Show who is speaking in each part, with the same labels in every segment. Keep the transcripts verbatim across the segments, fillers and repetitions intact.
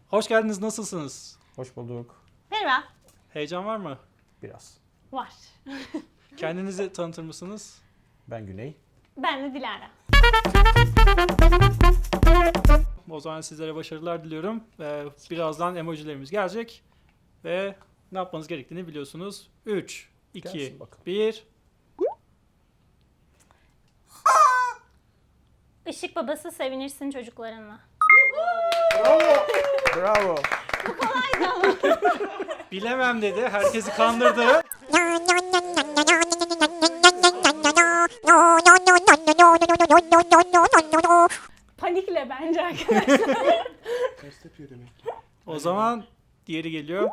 Speaker 1: Hoş geldiniz, nasılsınız?
Speaker 2: Hoş bulduk.
Speaker 3: Merhaba.
Speaker 1: Heyecan var mı?
Speaker 2: Biraz.
Speaker 3: Var.
Speaker 1: Kendinizi tanıtır mısınız?
Speaker 2: Ben Güney.
Speaker 3: Ben de Dilara.
Speaker 1: O zaman sizlere başarılar diliyorum. Ee, birazdan emojilerimiz gelecek. Ve ne yapmanız gerektiğini biliyorsunuz. üç, iki,
Speaker 2: Gelsin bakalım.
Speaker 1: bir.
Speaker 3: Işık babası sevinirsin çocuklarınla.
Speaker 2: Bravo.
Speaker 1: Bilemem dedi, herkesi kandırdı.
Speaker 3: Panikle bence arkadaşlar.
Speaker 4: Ters yapıyor demek ki.
Speaker 1: O zaman diğeri geliyor.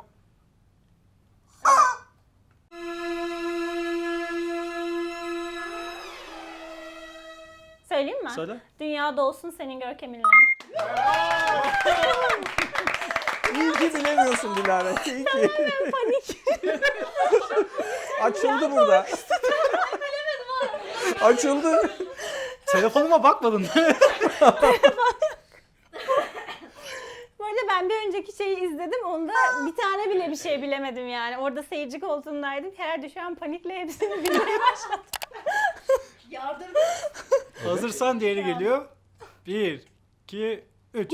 Speaker 3: Söyleyeyim mi?
Speaker 1: Söyle.
Speaker 3: Dünyada olsun senin görkeminle.
Speaker 2: İyi ki bilemiyorsun Dilara. İyi ki.
Speaker 3: Panik.
Speaker 2: Açıldı burada. Açıldı.
Speaker 1: Telefonuma bakmadın.
Speaker 3: Bu arada ben bir önceki şeyi izledim. Onda bir tane bile bir şey bilemedim yani. Orada seyirci koltuğundaydım. Herhalde şu an panikle hepsini bilmeye başladım.
Speaker 5: Yardım.
Speaker 1: Hazırsan diğeri geliyor. bir, iki, üç.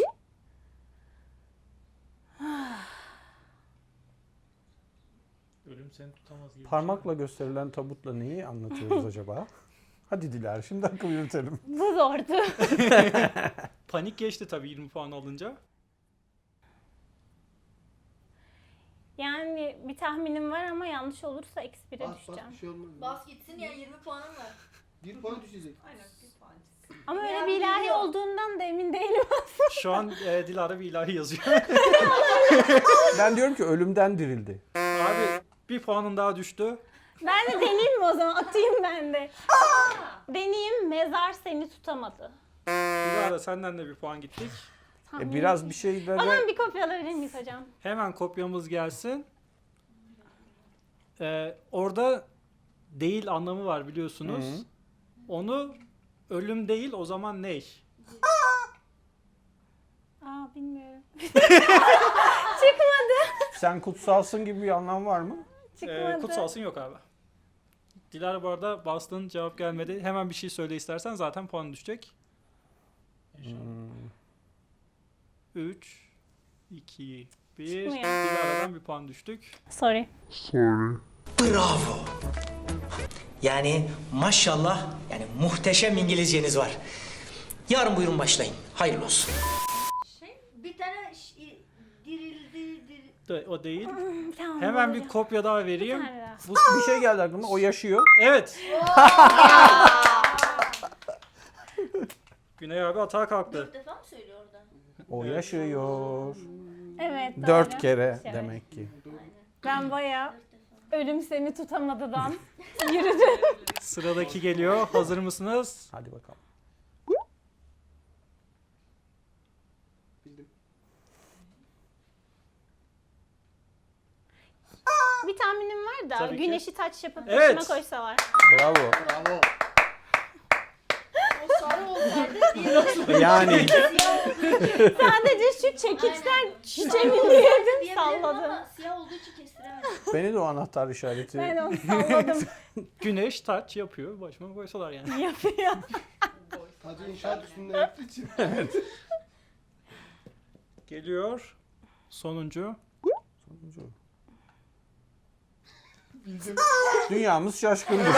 Speaker 1: Ölüm seni tutamaz gibi.
Speaker 2: Parmakla gösterilen tabutla neyi anlatıyoruz acaba? Hadi Dilara şimdi akıl yürütelim.
Speaker 3: Bu zordu.
Speaker 1: Panik geçti tabii yirmi puan alınca.
Speaker 3: Yani bir tahminim var ama yanlış olursa eksi bire
Speaker 4: Bas bas
Speaker 3: düşeceğim.
Speaker 4: bir şey olmaz.
Speaker 5: Bas gitsin ya yirmi puanım var.
Speaker 4: Bir puan düşecek.
Speaker 5: Aynen bir puan.
Speaker 3: Ama öyle
Speaker 5: Yani
Speaker 3: bir ilahi
Speaker 5: biliyor.
Speaker 3: olduğundan da emin değilim.
Speaker 1: Şu an e, Dilara bir ilahi yazıyor.
Speaker 2: Ben diyorum ki ölümden dirildi.
Speaker 1: Abi bir puanın daha düştü.
Speaker 3: Ben de deneyeyim mi o zaman? Atayım ben de. Deneyeyim, mezar seni tutamadı.
Speaker 1: Dilara senden de bir puan gittik.
Speaker 2: E, biraz bir
Speaker 3: O
Speaker 2: şeylere...
Speaker 3: zaman bir kopya alabilir miyiz hocam?
Speaker 1: Hemen kopyamız gelsin. Ee, orada değil anlamı var biliyorsunuz.
Speaker 2: Hı.
Speaker 1: Onu ölüm değil o zaman ney?
Speaker 3: Aa bilmiyorum. Çıkmadı.
Speaker 2: Sen kutsalsın gibi bir anlam var mı?
Speaker 3: Çıkmadı.
Speaker 1: Ee, kutsalsın yok abi. Dilara bu arada bastın cevap gelmedi. Hemen bir şey söyle istersen zaten puan düşecek. üç, iki, bir.
Speaker 3: Çıkmıyor.
Speaker 1: Dilara'dan bir puan düştük.
Speaker 3: Sorry.
Speaker 6: Bravo. Yani maşallah yani muhteşem İngilizceniz var. Yarın buyurun başlayın. Hayırlı olsun.
Speaker 5: Şey bir tane ş- dirildi dir.
Speaker 1: De, o değil.
Speaker 3: Tamam,
Speaker 1: Hemen bir
Speaker 3: hocam.
Speaker 1: kopya daha vereyim.
Speaker 3: Bir tane daha.
Speaker 1: Bu,
Speaker 2: Bir şey geldi aklıma. O yaşıyor.
Speaker 1: evet. Güney abi atağa kalktı.
Speaker 5: Dört defa mı söylüyor orada?
Speaker 2: O yaşıyor.
Speaker 3: Evet doğru.
Speaker 2: Dört kere
Speaker 3: Evet.
Speaker 2: demek ki.
Speaker 3: Ben bayağı ölüm seni tutamadıdan yürüdüm.
Speaker 1: Sıradaki geliyor. Hazır mısınız?
Speaker 2: Hadi bakalım.
Speaker 4: Bildim.
Speaker 3: Bir tahminim var da
Speaker 1: Tabii ki.
Speaker 3: güneşi taç yapıp
Speaker 1: Evet.
Speaker 3: başıma koysalar.
Speaker 2: Bravo.
Speaker 4: Bravo.
Speaker 5: O sarı olsaydı diğeri
Speaker 2: Yani
Speaker 3: Sadece şu çekiçten
Speaker 5: Aynen.
Speaker 3: çiçeğimi diyedim
Speaker 5: diyebilirim
Speaker 3: salladım.
Speaker 5: ama siyah olduğu için kestiremedim.
Speaker 2: beni de o anahtar işareti.
Speaker 3: Ben onu salladım.
Speaker 1: Güneş taç yapıyor. Başıma koysalar yani.
Speaker 3: Yapıyor.
Speaker 4: Tacı inşaat üstünde yaptığı için.
Speaker 1: Geliyor. Sonuncu.
Speaker 4: Bildim.
Speaker 2: Dünyamız şaşkındır.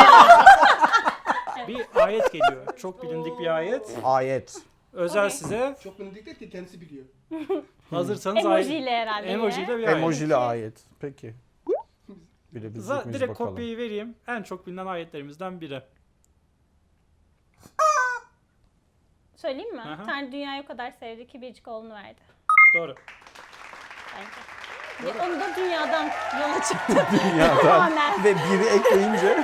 Speaker 1: Bir ayet geliyor. Çok bilindik bir ayet.
Speaker 2: Ayet.
Speaker 1: Özel
Speaker 3: Okey.
Speaker 1: size.
Speaker 4: Çok bilindik değil ki kendisi biliyor.
Speaker 1: Hazırsanız
Speaker 3: Emojiyle
Speaker 1: ayet.
Speaker 3: herhalde.
Speaker 1: Emojiyle bir ayet.
Speaker 2: Emojili ayet. Peki. Bilebilecek
Speaker 1: Za-
Speaker 2: miyiz
Speaker 1: direkt
Speaker 2: bakalım.
Speaker 1: kopyayı vereyim. En çok bilinen ayetlerimizden biri.
Speaker 3: Söyleyeyim mi?
Speaker 1: Aha.
Speaker 3: Tanrı dünyayı o kadar sevdi ki biricik oğlunu verdi.
Speaker 1: Doğru.
Speaker 3: Bence. Ve onu da dünyadan yola çıktı.
Speaker 2: Dünyadan.
Speaker 3: Tamamen.
Speaker 2: Ve biri ekleyince.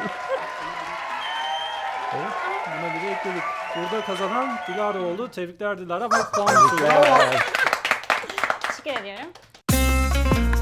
Speaker 1: Buna biri ekledik. Burada kazanan Dilara oldu. Tebrikler Dilara. Ama puan düşüyor.
Speaker 2: Tebrikler.
Speaker 3: Teşekkür ediyorum.